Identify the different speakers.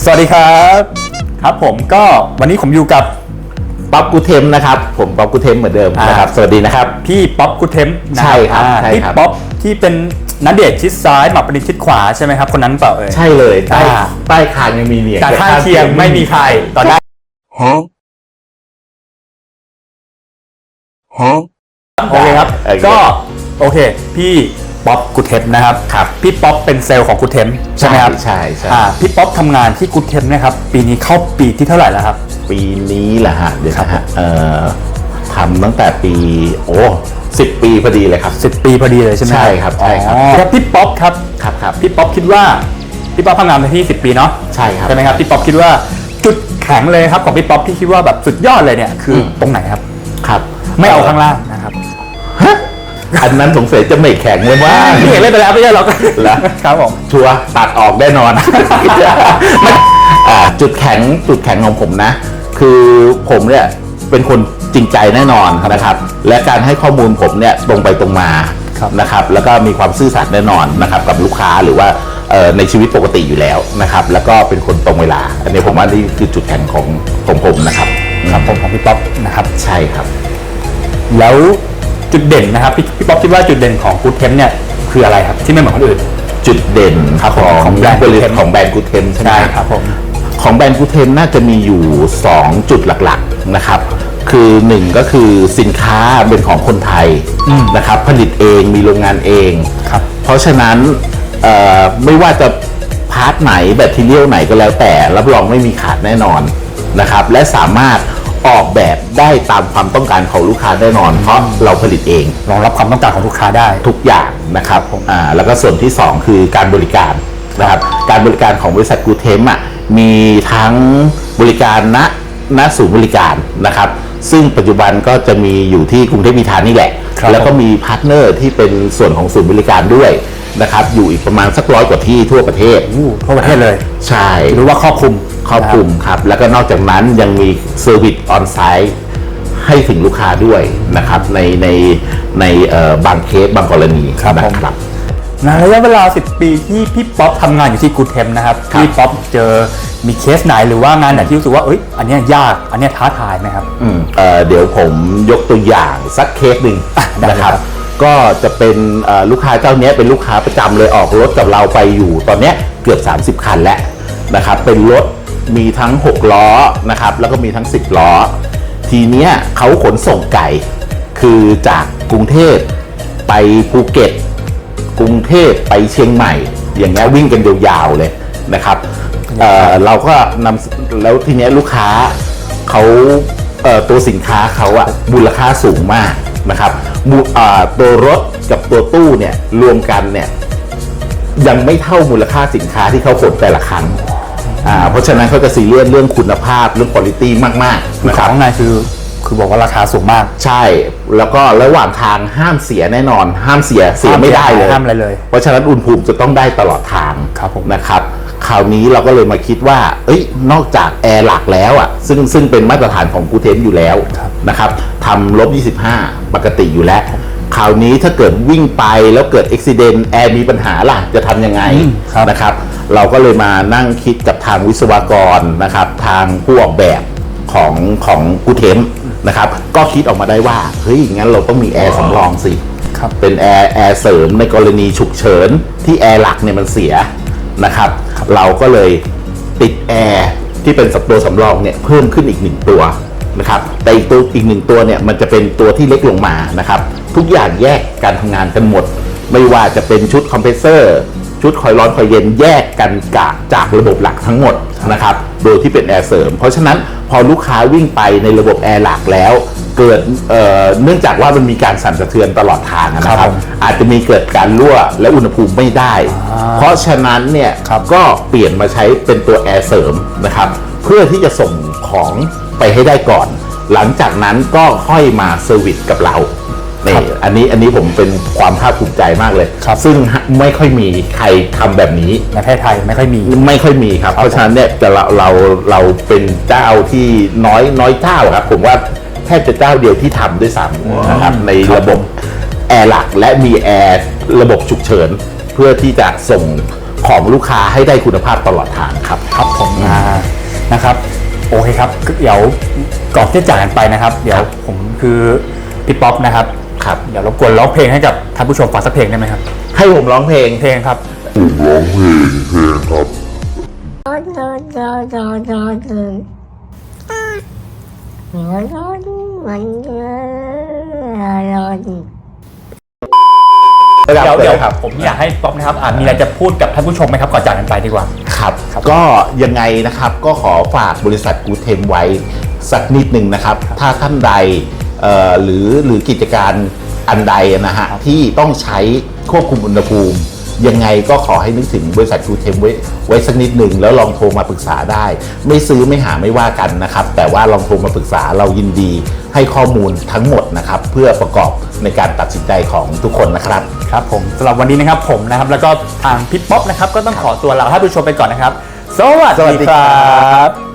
Speaker 1: สวัสดีครับครับผมก็วันนี้ผมอยู่กับ
Speaker 2: ป๊อปกูเทมนะครับผมป๊อปกูเทมเหมือนเดิมนะครับสวัสดีนะครับ
Speaker 1: พี่ป๊อปกูเทม
Speaker 2: ใช่ครับ
Speaker 1: พี่ป๊อปที่เป็นณเดชน์ชิดซ้ายหมากปรินชิดขวาใช่ไหมครับคนนั้นเปล่า
Speaker 2: ใช่เลยใต้คางยังมีเนี่ย
Speaker 1: แต่ข้างเคียงไม่มีใครตอนได้โอเคครับก็โอเคพี่ป๊อปกูเทมนะครับพี่ป๊อปเป็นเซลล์ของกูเทมใช่ไหมครับ
Speaker 2: ใช่
Speaker 1: พี่ป๊อปทำงานที่กูเทมนะครับปีนี้เข้าปีที่เท่าไหร่แล้วครับ
Speaker 2: ปีนี้แหละฮะเดี๋ยวนะฮะทำตั้งแต่ปี10 ปีพอดีเลยครับ
Speaker 1: 10 ปีพอดีเลยใช่ไหม
Speaker 2: ใช่ครับใช่ครับ
Speaker 1: แล้วพี่ป๊อปครับพี่ป๊อปคิดว่าพี่ป๊อปทำงานมาที่10 ปีเนาะ
Speaker 2: ใช่ครับ
Speaker 1: ใช่ไหมครับพี่ป๊อปคิดว่าจุดแข็งเลยครับของพี่ป๊อปที่คิดว่าแบบสุดยอดเลยเนี่ยคือตรงไหนครับไม่เอาข้างล่างนะครับ
Speaker 2: อันนั้นสงสัยจะไม่แข็งเลยว่า
Speaker 1: พี่เห็นเล่นไปแล้วไม่ใช่หรอกครับผม
Speaker 2: ชัวร์ตัดออกแน่นอน จุดแข็งของผมนะคือผมเนี่ยเป็นคนจริงใจแน่นอนนะครับและการให้ข้อมูลผมเนี่ยตรงไปตรงมานะครับแล้วก็มีความซื่อสัตย์แน่นอนนะครับกับลูกค้าหรือว่าในชีวิตปกติอยู่แล้วนะครับแล้วก็เป็นคนตรงเวลาอันนี้ผมว่านี่คือจุดแข็งของผมนะครับ
Speaker 1: ผมของพี่ป๊อปนะครับ
Speaker 2: ใช่ครับ
Speaker 1: แล้วจุดเด่นนะครับพี่ป๊อปคิดว่าจุดเด่นของกูเทมเนี่ยคืออะไรครับที่ไม่เหมือนคนอื่น
Speaker 2: จุดเด่นของแบรนด์กูเทมใช่ไหม
Speaker 1: ครับผม
Speaker 2: ของแบรนด์กูเทมน่าจะมีอยู่2จุดหลักๆนะครับคือ1ก็คือสินค้าเป็นของคนไทยนะครับผลิตเองมีโรงงานเองเพราะฉะนั้นไม่ว่าจะพาร์ทไหนแบตเตอรี่ไหนก็แล้วแต่รับรองไม่มีขาดแน่นอนนะครับและสามารถออกแบบได้ตามความต้องการของลูกค้าแน่นอนเพราะเราผลิตเอง
Speaker 1: รองรับความต้องการของลูกค้าได้
Speaker 2: ทุกอย่างนะครับแล้วก็ส่วนที่2คือการบริการนะครับการบริการของบริษัทกูเทมมีทั้งบริการณศูนย์บริการนะครับซึ่งปัจจุบันก็จะมีอยู่ที่กรุงเทพมีทานนี่แหละแล้วก็มีพาร์ทเนอร์ที่เป็นส่วนของศูนย์บริการด้วยนะครับอยู่อีกประมาณสัก100 กว่าที่ทั่วประเทศ
Speaker 1: ทั่วประเทศเลย
Speaker 2: ใช่
Speaker 1: หรือว่าครอบคลุม
Speaker 2: ครับแล้วก็นอกจากนั้นยังมีเซอร์วิสออนไซต์ให้ถึงลูกค้าด้วยนะครับในบางเคสบางกรณีนะครับ
Speaker 1: ในระยะเวลา10 ปีที่พี่ป๊อปทำงานอยู่ที่กูเทมนะครับพี่ป๊อปเจอมีเคสไหนหรือว่างานไหนที่รู้สึกว่าอันนี้ยากอันนี้ท้าทายไหมครับ
Speaker 2: เดี๋ยวผมยกตัวอย่างสักเคสหนึ่งนะครับก็จะเป็นลูกค้าเจ้านี้เป็นลูกค้าประจำเลยออกรถกับเราไปอยู่ตอนนี้เกือบ30 คันแล้วนะครับเป็นรถมีทั้ง6 ล้อนะครับแล้วก็มีทั้ง10 ล้อทีเนี้ยเขาขนส่งไก่คือจากกรุงเทพไปภูเก็ตกรุงเทพไปเชียงใหม่อย่างเงี้ยวิ่งกันยาวๆเลยนะครับเราก็นำแล้วทีเนี้ยลูกค้าเขาตัวสินค้าเขามูลค่าสูงมากนะครับตัวรถกับตัวตู้เนี่ยรวมกันเนี่ยยังไม่เท่ามูลค่าสินค้าที่เขาขนแต่ละครั้งเพราะฉะนั้นเขาจะซีเรียสเรื่องคุณภาพเรื่องคุณภาพมากๆ
Speaker 1: นะครับข้างในคือบอกว่าราคาสูงมาก
Speaker 2: ใช่แล้วก็ระหว่างทางห้ามเสียแน่นอนห้ามเสียไม่ได้เลย
Speaker 1: ห้ามอะไรเลย
Speaker 2: เพราะฉะนั้นอุณหภูมิจะต้องได้ตลอดทางนะครับคราวนี้เราก็เลยมาคิดว่านอกจากแอร์หลักแล้วซึ่งเป็นมาตรฐานของกูเทมอยู่แล้วนะครับทำ-25ปกติอยู่แล้วคราวนี้ถ้าเกิดวิ่งไปแล้วเกิดอุบัติเหตุแอร์มีปัญหาล่ะจะทำยังไงนะครับเราก็เลยมานั่งคิดกับทางวิศวกรนะครับทางผู้ออกแบบของกูเทมนะครับก็คิดออกมาได้ว่างั้นเราต้องมีแอร์สำรองสิเป็นแอร์เสริมในกรณีฉุกเฉินที่แอร์หลักเนี่ยมันเสียนะครับเราก็เลยติดแอร์ที่เป็นตัวสำรองเนี่ยเพิ่มขึ้นอีก1 ตัวนะครับแต่อีก1 ตัวเนี่ยมันจะเป็นตัวที่เล็กลงมานะครับทุกอย่างแยกการทำงานกันหมดไม่ว่าจะเป็นชุดคอมเพรสเซอร์ชุดคอยร้อนคอยเย็นแยกกันจากระบบหลักทั้งหมดนะครับโดยที่เป็นแอร์เสริมเพราะฉะนั้นพอลูกค้าวิ่งไปในระบบแอร์หลักแล้วเกิดเนื่องจากว่ามันมีการสั่นสะเทือนตลอดทางนะครับอาจจะมีเกิดการรั่วและอุณหภูมิไม่ได้เพราะฉะนั้นเนี่ยก็เปลี่ยนมาใช้เป็นตัวแอร์เสริมนะครับเพื่อที่จะส่งของไปให้ได้ก่อนหลังจากนั้นก็ค่อยมาเซอร์วิสกับเราอันนี้ผมเป็นความภาคภูมิใจมากเลยซึ่งไม่ค่อยมีใครทำแบบนี้
Speaker 1: ในประเทศไทยไม่ค่อยมี
Speaker 2: ครับเพราะฉะนั้นเนี่ยเราเป็นเจ้าที่น้อยเจ้าครับผมว่าแทบจะเจ้าเดียวที่ทำด้วยซ้ำนะครับในระบบแอร์หลักและมีแอร์ระบบฉุกเฉินเพื่อที่จะส่งของลูกค้าให้ได้คุณภาพตลอดทางครับ
Speaker 1: ครับผมนะครับโอเคครับเดี๋ยวก่อนที่จะจากกันไปนะครับ เดี๋ยวผมคือพี่ป๊อปนะครับ
Speaker 2: ครับ
Speaker 1: เดี๋ยวรบกวนร้องเพลงให้กับท่านผู้ชมฟังสักเพลงได้ไหมครับ
Speaker 2: ให้ผมร้องเพลง
Speaker 1: เพลงครับ เดี๋ยว
Speaker 2: ครับ
Speaker 1: ผมอยากให้ป๊อปนะครับมีอะไรจะพูดกับท่านผู้ชมไหมครับก่อนจากกันไปดีกว่า
Speaker 2: ครับก็ยังไงนะครับก็ขอฝากบริษัทกูเทมไว้สักนิดหนึ่งนะครับ ถ้าท่านใดหรือกิจการอันใดนะฮะที่ต้องใช้ควบคุมอุณหภูมิ ยังไงก็ขอให้นึกถึงบริษัทกูเทมไว้สักนิดหนึ่งแล้วลองโทรมาปรึกษาได้ ไม่ซื้อไม่หาไม่ว่ากันนะครับ แต่ว่าลองโทรมาปรึกษาเรายินดีให้ข้อมูลทั้งหมดนะครับ เพื่อประกอบในการตัดสินใจของทุกคนนะครับ
Speaker 1: ครับผมสำหรับวันนี้นะครับผมนะครับแล้วก็ทางพี่ป๊อปนะครับก็ต้องขอตัวลาท่านผู้ชมไปก่อนนะครับ สวัสดีครับ